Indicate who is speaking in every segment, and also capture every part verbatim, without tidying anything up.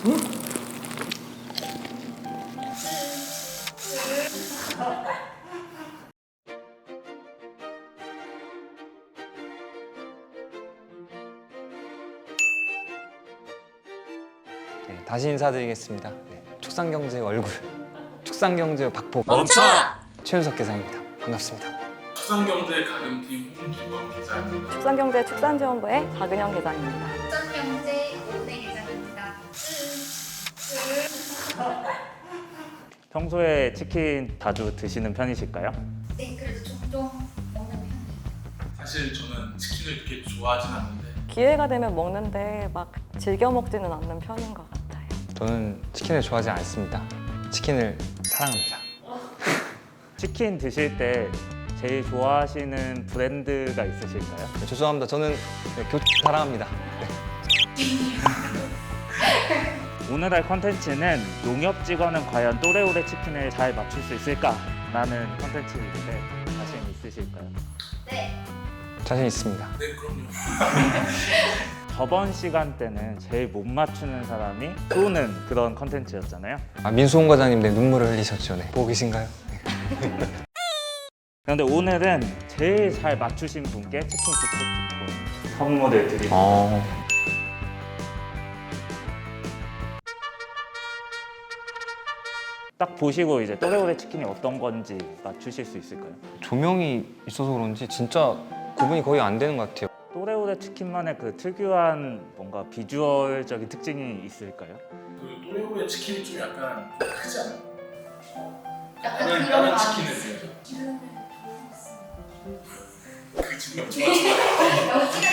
Speaker 1: 네, 다시 인사드리겠습니다. 네, 축산경제 얼굴, 축산경제 박보
Speaker 2: 멈춰!
Speaker 1: 최윤석 계장입니다. 반갑습니다.
Speaker 3: 축산경제 가금팀 홍기범 기자입니다.
Speaker 2: 축산경제 축산지원부의 박은영 계장입니다.
Speaker 4: 축산경제 오대 계장입니다.
Speaker 5: 평소에 치킨 자주 드시는 편이실까요?
Speaker 4: 네, 그래도 종종 먹는 편이에요.
Speaker 3: 사실 저는 치킨을 그렇게 좋아하진 않는데
Speaker 2: 기회가 되면 먹는데 막 즐겨 먹지는 않는 편인 것 같아요.
Speaker 1: 저는 치킨을 좋아하지 않습니다. 치킨을 사랑합니다.
Speaker 5: 치킨 드실 때 제일 좋아하시는 브랜드가 있으실까요?
Speaker 1: 네, 죄송합니다. 저는 네, 교 사랑합니다. 네.
Speaker 5: 오늘 할 컨텐츠는 농협 직원은 과연 또래오래 치킨을 잘 맞출 수 있을까? 라는 컨텐츠인데 자신 있으실까요?
Speaker 4: 네,
Speaker 1: 자신 있습니다.
Speaker 3: 네 그럼요.
Speaker 5: 저번 시간 때는 제일 못 맞추는 사람이 쏘는 그런 컨텐츠였잖아요.
Speaker 1: 아, 민수홍 과장님 네, 눈물을 흘리셨죠? 네. 보고 계신가요? 네.
Speaker 5: 그런데 오늘은 제일 잘 맞추신 분께 치킨 기프트 선물을 드립니다.
Speaker 1: 어...
Speaker 5: 딱 보시고 이제 또래오래 치킨이 어떤 건지 맞추실 수 있을까요?
Speaker 1: 조명이 있어서 그런지 진짜 구분이 거의 안 되는 것 같아요.
Speaker 5: 또래오래 치킨만의 그 특유한 뭔가 비주얼적인 특징이 있을까요?
Speaker 3: 그 또래오래 치킨이 좀 약간 좀 크지 않아요?
Speaker 4: 약간
Speaker 3: 다른
Speaker 4: 그런
Speaker 3: 다른
Speaker 4: 마음이
Speaker 3: 치킨에
Speaker 4: 있어요.
Speaker 3: 비해서
Speaker 4: 기름을
Speaker 3: 그 지금 좋아하시나요?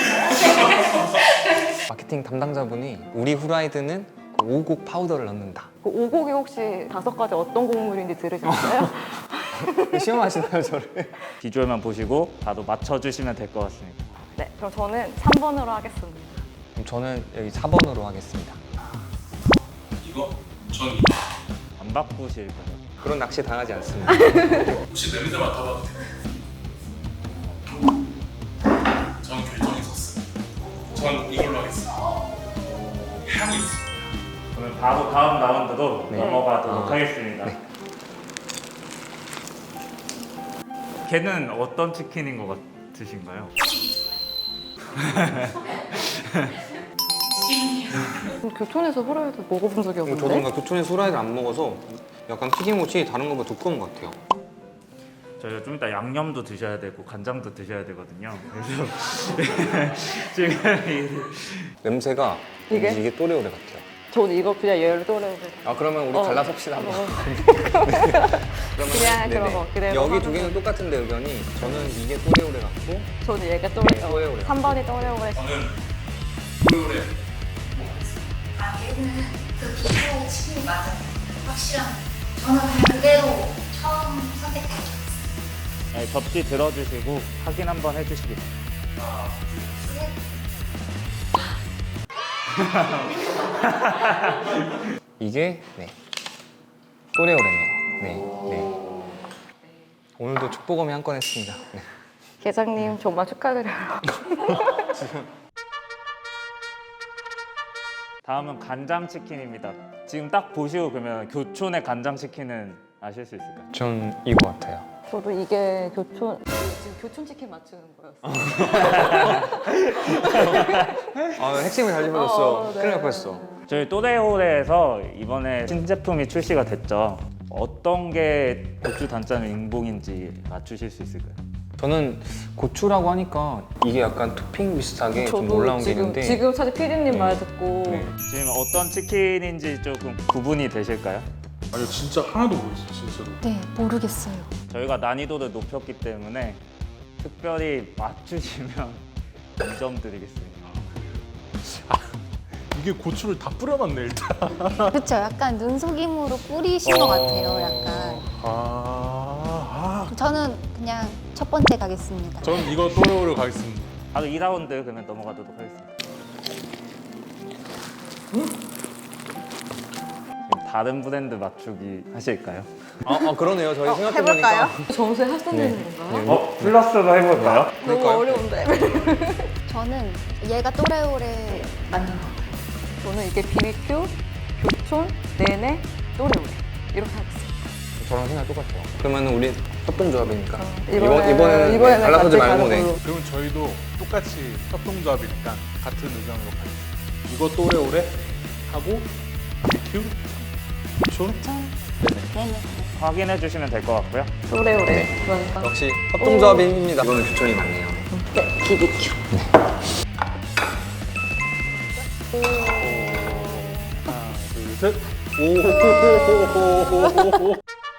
Speaker 4: 여기가
Speaker 1: 마케팅 담당자분이 우리 후라이드는 그 오곡 파우더를 넣는다.
Speaker 2: 그 오곡이 혹시 다섯 가지 어떤 곡물인지 들으셨어요?
Speaker 1: 시험하시나요, 저를?
Speaker 5: 비주얼만 보시고 바로 맞춰주시면 될 것 같습니다.
Speaker 2: 네, 그럼 저는 삼 번으로 하겠습니다.
Speaker 1: 그럼 저는 여기 사 번으로 하겠습니다.
Speaker 3: 이거? 전 이거.
Speaker 5: 안 바꾸실 거예요?
Speaker 1: 그런 낚시 당하지 않습니다.
Speaker 3: 혹시 냄새 맡아봐도 돼요? 전 결정이 섰어요. 전 이걸로 하겠습니다. 향이 있습니다.
Speaker 5: 그러면 바로 다음 라운드로
Speaker 1: 네.
Speaker 5: 넘어가도록
Speaker 1: 아.
Speaker 5: 하겠습니다.
Speaker 1: 네.
Speaker 5: 걔는 어떤 치킨인 것 같으신가요?
Speaker 2: 교촌에서 후라이드 먹어본 적이
Speaker 1: 저도
Speaker 2: 없는데?
Speaker 1: 뭔가 교촌에서 후라이드를 안 먹어서 약간 튀김옷이 다른 것보다 두꺼운 것 같아요.
Speaker 5: 저희가 좀 이따 양념도 드셔야 되고 간장도 드셔야 되거든요. 그래서 지금 이-
Speaker 1: 냄새가
Speaker 2: 이게?
Speaker 1: 이게 또래오래 같아요.
Speaker 2: 저는 이거 그냥 얘를 또래.
Speaker 1: 아 그러면 우리
Speaker 2: 어.
Speaker 1: 갈라섭시다 한번.
Speaker 2: 어.
Speaker 1: 그러면
Speaker 2: 그냥 그런 거 그대로
Speaker 1: 여기
Speaker 2: 하면
Speaker 1: 두 개는 똑같은데 의견이 저는 이게 또래오래 같고
Speaker 2: 저는 얘가
Speaker 1: 이게
Speaker 2: 또래.
Speaker 1: 또래오래.
Speaker 2: 삼 번이 또래오래.
Speaker 3: 저는 또래오래.
Speaker 4: 아, 얘는 그 기초 치킨이 맞아요. 확실한. 저는 그냥 그대로 처음 선택했어요.
Speaker 5: 네, 접시 들어주시고 확인 한번 해주시겠습니다.
Speaker 3: 하나,
Speaker 1: 이게 네 또래오래네요. 네, 네. 오늘도 축복음이 한 건 했습니다. 네.
Speaker 2: 계장님 정말 축하드려요.
Speaker 5: 다음은 간장치킨입니다. 지금 딱 보시고 그러면 교촌의 간장치킨은 아실 수 있을까요?
Speaker 1: 전 이거 같아요.
Speaker 2: 저도 이게 교촌 지금 교촌 치킨 맞추는 거였어요.
Speaker 1: 아 핵심을 잘 짚어줬어.
Speaker 2: 어, 네.
Speaker 1: 큰일 날 뻔했어.
Speaker 5: 저희 또래홀에서 이번에 신제품이 출시가 됐죠. 어떤 게 고추 단짠 인봉인지 맞추실 수 있을까요?
Speaker 1: 저는 고추라고 하니까 이게 약간 토핑 비슷하게 좀 올라온 게
Speaker 2: 지금
Speaker 1: 있는데
Speaker 2: 지금 사실 피디님
Speaker 1: 네.
Speaker 2: 말 듣고
Speaker 1: 네.
Speaker 5: 지금 어떤 치킨인지 조금 구분이 되실까요?
Speaker 3: 아니 진짜 하나도 모르겠어요 진짜로.
Speaker 4: 네, 모르겠어요.
Speaker 5: 저희가 난이도를 높였기 때문에 특별히 맞추시면 이 점 드리겠습니다.
Speaker 3: 이게 고추를 다 뿌려놨네 일단.
Speaker 4: 그렇죠. 약간 눈속임으로 뿌리신 것 같아요. 약간.
Speaker 3: 아, 아.
Speaker 4: 저는 그냥 첫 번째 가겠습니다.
Speaker 3: 저는 이거 또래오래 가겠습니다.
Speaker 5: 바로 이 라운드 그러면 넘어가도록 하겠습니다. 지금 다른 브랜드 맞추기 하실까요?
Speaker 1: 아, 아 그러네요. 저희
Speaker 2: 어,
Speaker 1: 생각해보니까
Speaker 2: 해볼까요? 점수에 합산되는
Speaker 1: 네.
Speaker 2: 건가요?
Speaker 1: 네.
Speaker 5: 어? 플러스로 해볼까요?
Speaker 2: 너무
Speaker 1: 그럴까요?
Speaker 2: 어려운데.
Speaker 4: 저는 얘가 또래오래 맞는 것 같아요.
Speaker 2: 저는 이게 비비큐 모구촌, 네네, 또래오래 이렇게 하겠습니다.
Speaker 1: 저랑 생각 똑같아요. 그러면 우리 협동조합이니까
Speaker 2: 이번에는-
Speaker 1: 이번, 이번에는
Speaker 2: 이번에는
Speaker 1: 갈라서지
Speaker 2: 같이
Speaker 1: 말고
Speaker 2: 가는
Speaker 1: 네.
Speaker 2: 걸로.
Speaker 3: 그럼 저희도 똑같이 협동조합이니까 같은 의견으로 가겠습니다. 이거 또래오래 하고 비큐 촌 네네.
Speaker 5: 확인해 주시면 될 것 같고요.
Speaker 2: 또래오래.
Speaker 1: 네.
Speaker 2: 그러니까
Speaker 1: 역시 협동조합의 힘입니다. 이거는 교촌이 맞네요.
Speaker 2: 네, 비비큐.
Speaker 3: 하나 둘 셋. 오.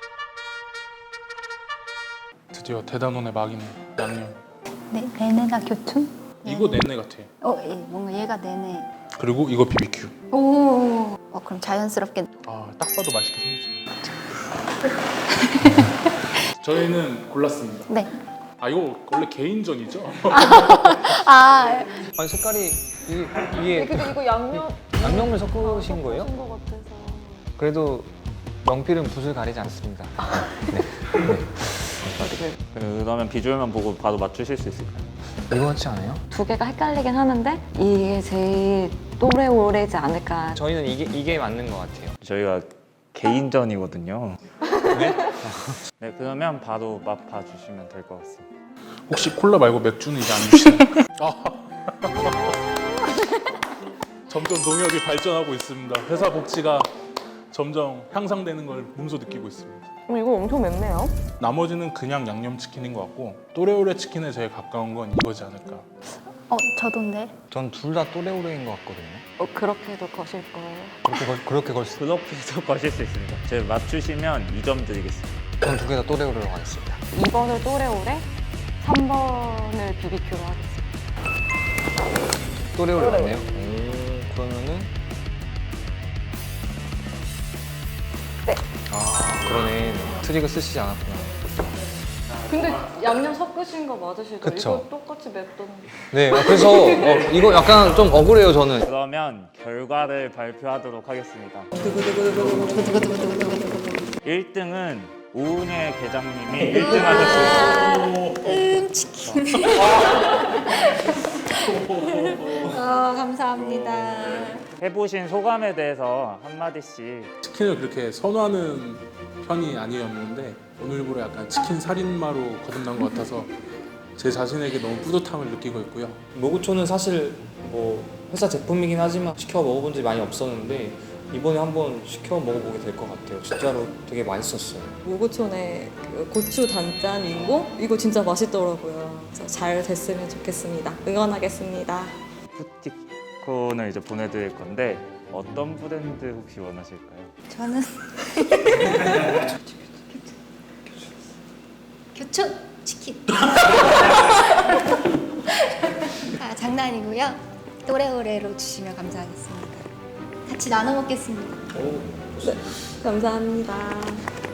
Speaker 3: 드디어 대단원의 막이네. 양념.
Speaker 4: 네, 내내가 교촌?
Speaker 3: 이거 내내 같아.
Speaker 4: 어, 예, 뭔가 얘가 내내.
Speaker 3: 그리고 이거 비비큐.
Speaker 4: 오, 어, 그럼 자연스럽게.
Speaker 3: 아, 딱 봐도 맛있게 생겼지. 저희는 골랐습니다.
Speaker 4: 네.
Speaker 3: 아, 이거 원래 개인전이죠?
Speaker 4: 아,
Speaker 1: 아니 색깔이 이, 이게
Speaker 2: 근데 이거 양념
Speaker 1: 양념을 섞으신 거예요?
Speaker 2: 섞으신 것 같아서.
Speaker 1: 그래도 명필은 붓을 가리지 않습니다.
Speaker 5: 그러면 비주얼만 보고 바로 맞추실 수 있을까요?
Speaker 1: 이거 같지 않아요?
Speaker 2: 두 개가 헷갈리긴 하는데 이게 제일 또래오래지 않을까.
Speaker 1: 저희는 이게 이게 맞는 것 같아요.
Speaker 5: 저희가 개인전이거든요. 네? 네, 그러면 바로 맛 봐주시면 될 것 같습니다.
Speaker 3: 혹시 콜라 말고 맥주는 이제 안 주시나요? 아. 점점 농협이 발전하고 있습니다. 회사 복지가 점점 향상되는 걸 몸소 느끼고 있습니다.
Speaker 2: 어, 이거 엄청 맵네요.
Speaker 3: 나머지는 그냥 양념치킨인 것 같고 또래오래 치킨에 제일 가까운 건 이거지 않을까.
Speaker 4: 어, 저도인데.
Speaker 1: 전 둘 다 또래오래인 것 같거든요.
Speaker 2: 어, 그렇게도 거실 거예요.
Speaker 1: 그렇게 걸, 그렇게 걸 수.
Speaker 5: 그렇게도 거실 수 있습니다. 제가 맞추시면 이 점 드리겠습니다.
Speaker 1: 전 두 개 다 또래오래로 가겠습니다.
Speaker 2: 이 번을 또래오래, 삼 번을 비비큐로 하겠습니다.
Speaker 1: 또래오래
Speaker 2: 또래오래.
Speaker 1: 맞네요. 오, 그러면은
Speaker 2: 네.
Speaker 1: 아 그러네. 트릭을 쓰시지 않았구나.
Speaker 2: 근데 양념 섞으신 거 맞으시죠?
Speaker 1: 그쵸.
Speaker 2: 이거 똑같이 맵던데.
Speaker 1: 네, 그래서 어, 이거 약간 좀 억울해요 저는.
Speaker 5: 그러면 결과를 발표하도록 하겠습니다. 일 등은 오은혜 계장님이 일 등 하셨습니다.
Speaker 4: 음, 치킨. 어, 감사합니다.
Speaker 5: 해보신 소감에 대해서 한마디씩.
Speaker 3: 치킨을 그렇게 선호하는 편이 아니었는데 오늘부로 약간 치킨 살인마로 거듭난 것 같아서 제 자신에게 너무 뿌듯함을 느끼고 있고요.
Speaker 1: 모구초는 사실 뭐 회사 제품이긴 하지만 시켜 먹어본 적이 많이 없었는데 이번에 한번 시켜 먹어보게 될 것 같아요. 진짜로 되게 맛있었어요.
Speaker 2: 모구촌의 그 고추 단짠 윙고 이거 진짜 맛있더라고요. 그래서 잘 됐으면 좋겠습니다. 응원하겠습니다.
Speaker 5: 푸티콘을 이제 보내드릴 건데 어떤 브랜드 혹시 원하실까요?
Speaker 4: 저는 교촌 치킨. 아, 장난이고요. 또래오래로 주시면 감사하겠습니다. 같이 나눠 먹겠습니다.
Speaker 2: 감사합니다.